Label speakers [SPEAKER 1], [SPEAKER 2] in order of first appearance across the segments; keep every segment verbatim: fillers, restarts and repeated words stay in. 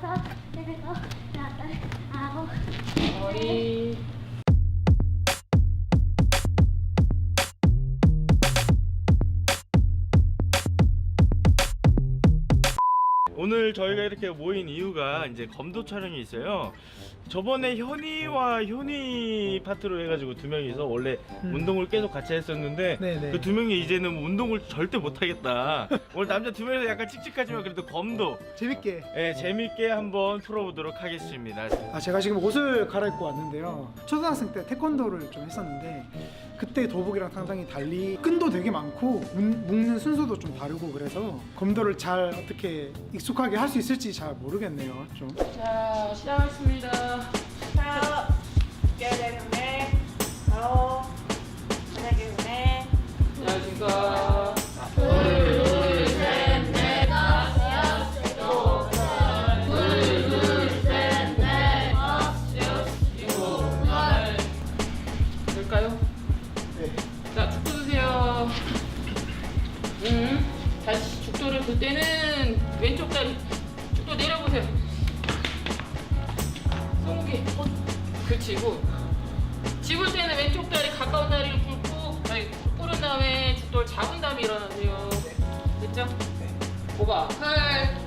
[SPEAKER 1] 다섯, 일곱, 여덟, 아홉.
[SPEAKER 2] 머리.
[SPEAKER 3] 오늘 저희가 이렇게 모인 이유가 이제 검도 촬영이 있어요. 저번에 현이와 효니 파트로 해가지고 두 명이서 원래 음. 운동을 계속 같이 했었는데 그 두 명이 이제는 운동을 절대 못하겠다. 오늘 남자 두 명이서 약간 칙칙하지만 그래도 검도
[SPEAKER 4] 재밌게
[SPEAKER 3] 네, 재밌게 한번 풀어보도록 하겠습니다.
[SPEAKER 4] 아 제가 지금 옷을 갈아입고 왔는데요, 초등학생 때 태권도를 좀 했었는데 그때 도복이랑 상당히 달리 끈도 되게 많고 문, 묶는 순서도 좀 다르고 그래서 검도를 잘 어떻게 익숙하게 할 수 있을지 잘 모르겠네요. 좀.
[SPEAKER 2] 자, 시작하겠습니다.
[SPEAKER 5] 자, 깨알의 운에 바로 만약의 운에
[SPEAKER 2] 안녕하십니까. 둘, 셋, 넷, 다섯, 여섯, 둘, 둘, 셋, 넷, 다섯, 일곱, 여덟. 될까요?
[SPEAKER 4] 네.
[SPEAKER 2] 자, 죽도 드세요. 음, 다시 죽도를 들 때는 왼쪽 다리 죽도 내려보세요. 손목이 그치고 집을 때는 왼쪽 다리 가까운 다리를 굴고 아니 꿇은 다음에 죽도를 잡은 다음에 일어나세요. 됐죠? 네. 오바 팔.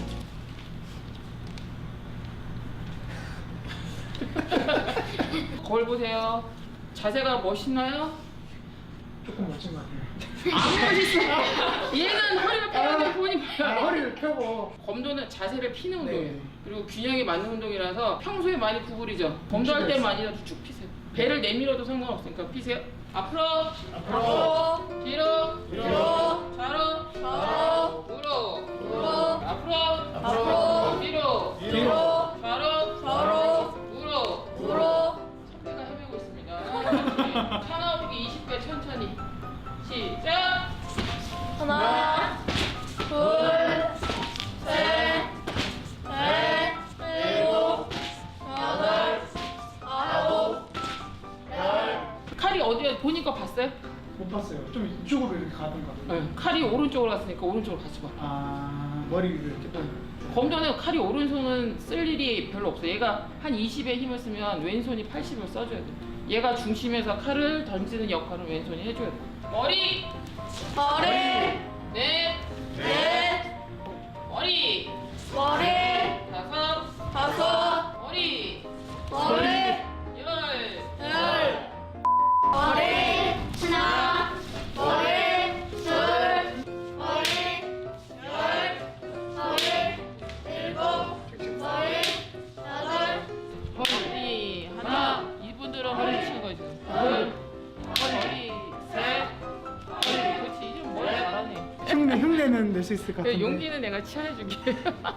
[SPEAKER 2] 거울 보세요. 자세가 멋있나요?
[SPEAKER 4] 조금 멋진 것 같아요.
[SPEAKER 2] 안 멋있어. 얘는 허리를 펴고 보니까
[SPEAKER 4] 아, 허리를 펴고.
[SPEAKER 2] 검도는 자세를 피는 운동이에요.
[SPEAKER 4] 네.
[SPEAKER 2] 그리고 균형이 맞는 운동이라서 평소에 많이 구부리죠. 검도할 때만이라도 쭉 피세요. 배를 내밀어도 상관없으니까 피세요. 앞으로,
[SPEAKER 4] 앞으로,
[SPEAKER 2] 뒤로,
[SPEAKER 4] 뒤로,
[SPEAKER 2] 좌로,
[SPEAKER 4] 좌로,
[SPEAKER 2] 우로,
[SPEAKER 4] 우로,
[SPEAKER 2] 앞으로,
[SPEAKER 4] 앞으로,
[SPEAKER 2] 뒤로,
[SPEAKER 4] 뒤로,
[SPEAKER 2] 좌로,
[SPEAKER 4] 좌로,
[SPEAKER 2] 우로,
[SPEAKER 4] 우로.
[SPEAKER 2] 선배가 헤매고 있습니다. 차 나오기 이십 배 천천히. 시작!
[SPEAKER 5] 하나, 둘, 셋, 넷, 일곱, 여덟, 아홉, 열.
[SPEAKER 2] 칼이 어디에 보니까 봤어요?
[SPEAKER 4] 못 봤어요. 좀 이쪽으로 이렇게 가던가.
[SPEAKER 2] 네. 칼이 오른쪽으로 갔으니까 오른쪽으로 같이 봐.
[SPEAKER 4] 아, 머리를 이렇게 또.
[SPEAKER 2] 검도는 칼이 오른손은 쓸 일이 별로 없어요. 얘가 한 이십에 힘을 쓰면 왼손이 팔십을 써줘야 돼. 얘가 중심에서 칼을 던지는 역할은 왼손이 해줘야 돼. 머리,
[SPEAKER 5] 머리,
[SPEAKER 2] 넷,
[SPEAKER 5] 넷,
[SPEAKER 2] 머리,
[SPEAKER 5] 머리,
[SPEAKER 2] 다섯,
[SPEAKER 5] 다섯,
[SPEAKER 2] 머리,
[SPEAKER 5] 머리,
[SPEAKER 2] 열.
[SPEAKER 5] 열. 머리, 하나, 머리, 둘, 머리, 열, 머리, 일곱, 머리, 여덟.
[SPEAKER 2] 머리 하나. 이분들은 허리 치는 거지. 둘, 머리, 셋, 머리. 그렇지. 이제 머리 잘하네.
[SPEAKER 4] 흉내, 흉내는 낼 수 있을 것 같은데.
[SPEAKER 2] 용기는 내가 치안해줄게.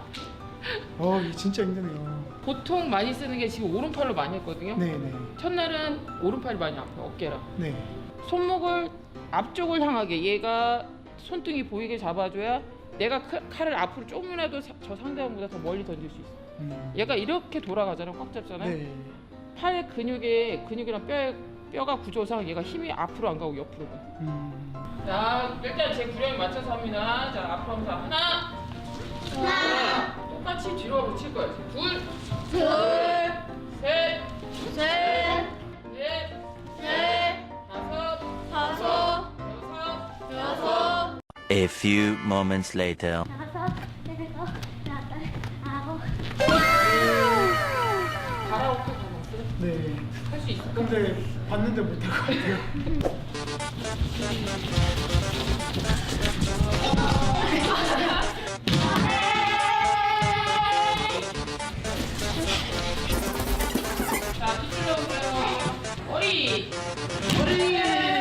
[SPEAKER 4] 어, 이게 진짜 힘드네요.
[SPEAKER 2] 보통 많이 쓰는 게 지금 오른팔로 많이 했거든요.
[SPEAKER 4] 네네.
[SPEAKER 2] 첫날은 오른팔이 많이 아파요. 어깨랑.
[SPEAKER 4] 네.
[SPEAKER 2] 손목을 앞쪽을 향하게 얘가 손등이 보이게 잡아줘야 내가 칼- 칼을 앞으로 조금이라도 사- 저 상대방보다 더 멀리 던질 수 있어.
[SPEAKER 4] 음.
[SPEAKER 2] 얘가 이렇게 돌아가잖아요. 꽉 잡잖아요.
[SPEAKER 4] 네.
[SPEAKER 2] 팔 근육에 근육이랑 뼈 뼈가 구조상 얘가 힘이 앞으로 안 가고 옆으로 가.
[SPEAKER 4] 음.
[SPEAKER 2] 자, 일단 제 구령에 맞춰서 합니다. 자, 앞으로 하면서 하나, 하나, 똑같이 뒤로 하고 칠 거예요. 둘,
[SPEAKER 5] 둘,
[SPEAKER 2] 셋,
[SPEAKER 5] 셋,
[SPEAKER 2] 넷,
[SPEAKER 5] 넷,
[SPEAKER 2] 다섯,
[SPEAKER 5] 다섯,
[SPEAKER 2] 여섯,
[SPEAKER 5] 여섯.
[SPEAKER 6] A few moments later.
[SPEAKER 1] 다섯, 일곱, 여덟, 아홉.
[SPEAKER 2] 가라오케 가봤어요?
[SPEAKER 4] 네.
[SPEAKER 2] 할 수 있을까?
[SPEAKER 4] 근데 봤는데 못할 것 같아요.
[SPEAKER 2] 자, 뒤로 오세요. 머리, 머리.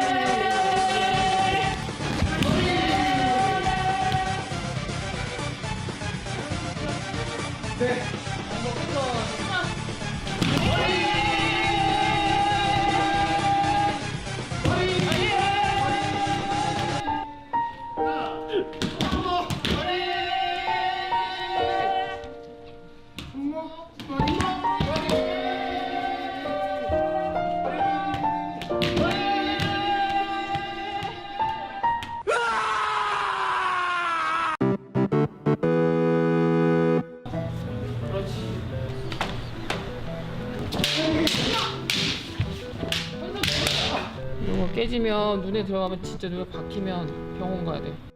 [SPEAKER 4] 네.
[SPEAKER 2] 이거 깨지면 눈에 들어가면 진짜 눈에 박히면 병원 가야 돼.